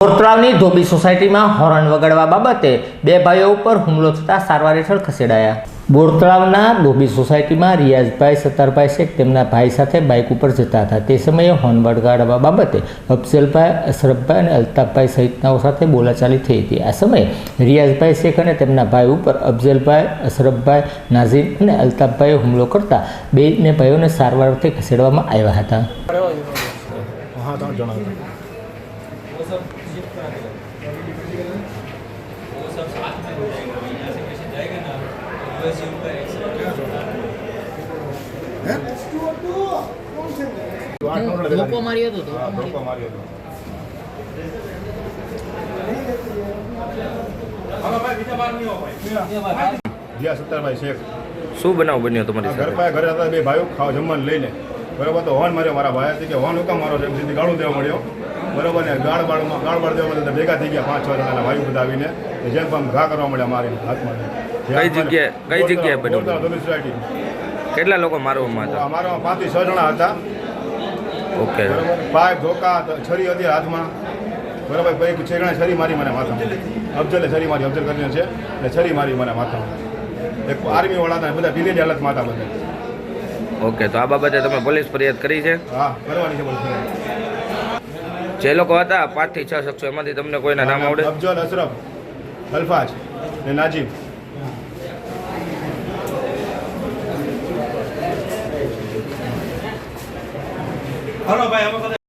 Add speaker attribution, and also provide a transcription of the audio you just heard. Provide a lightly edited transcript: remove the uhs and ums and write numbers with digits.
Speaker 1: બોરતળાવની ધોબી સોસાયટીમાં હોર્ન વગાડવા બાબતે બે ભાઈઓ ઉપર હુમલો થતાં સારવાર હેઠળ ખસેડાયા। બોરતળાવના ધોબી સોસાયટીમાં રિયાઝભાઈ સત્તારભાઈ શેખ તેમના ભાઈ સાથે બાઇક ઉપર જતા હતા। તે સમયે હોર્ન વગાડવા બાબતે અફઝલભાઈ, અશરફભાઈ અને અલ્તાફભાઈ સહિતનાઓ સાથે બોલાચાલી થઈ હતી। આ સમયે રિયાઝભાઈ શેખ અને તેમના ભાઈ ઉપર અફઝલભાઈ, અશરફભાઈ, નાઝીમ અને અલ્તાફભાઈએ હુમલો કરતા બંને ભાઈઓને સારવાર અર્થે ખસેડવામાં આવ્યા હતા।
Speaker 2: ધોકો માર્યો હતો
Speaker 3: સત્તારભાઈ શેખ
Speaker 4: શું બનાવ બન્યો તમારી
Speaker 3: ઘર પાસે ઘરે હતા બે ભાઈઓ ખાવા જમવાનું લઈને બરોબર તો હોર્ન માર્યો મારા ભાઈ કે હોર્ન હુકમ મારો છે એમ સીધી ગાળું દેવા મળ્યો બરોબર ને ગાળ બાળ દેવા મળે ભેગા થઈ ગયા 5-6 જણાના ભાઈઓ બધા આવીને જેમ પણ ઘા કરવા મળ્યા મારી હાથમાં।
Speaker 4: કઈ જગ્યાએ બન્યું?
Speaker 3: સોસાયટી
Speaker 4: કેટલા લોકો મારવામાં હતા?
Speaker 3: મારવામાં 5 થી 6 જણા હતા।
Speaker 4: ઓકે,
Speaker 3: પાઇપ ધોકા છરી હતી હાથમાં બરોબર। પછી છેગણા છરી મારી મને માથામાં, અફઝલે છરી મારી, અફઝલ કરીને છે એટલે છરી મારી મને માથામાં। એક આર્મી વાળા હતા બધા ઢીલી હાલતમાં હતા બધા।
Speaker 4: ઓકે, તો આ બાબતે તમે પોલીસ ફરિયાદ કરી છે?
Speaker 3: હા, કરવાની છે બોલ।
Speaker 4: જે લોકો હતા 5 થી 6 શખ્સો, એમાંથી તમને કોઈના નામ આવડે?
Speaker 3: અફઝલ, અશરફ, અલ્ફાજ ને નાજીબ।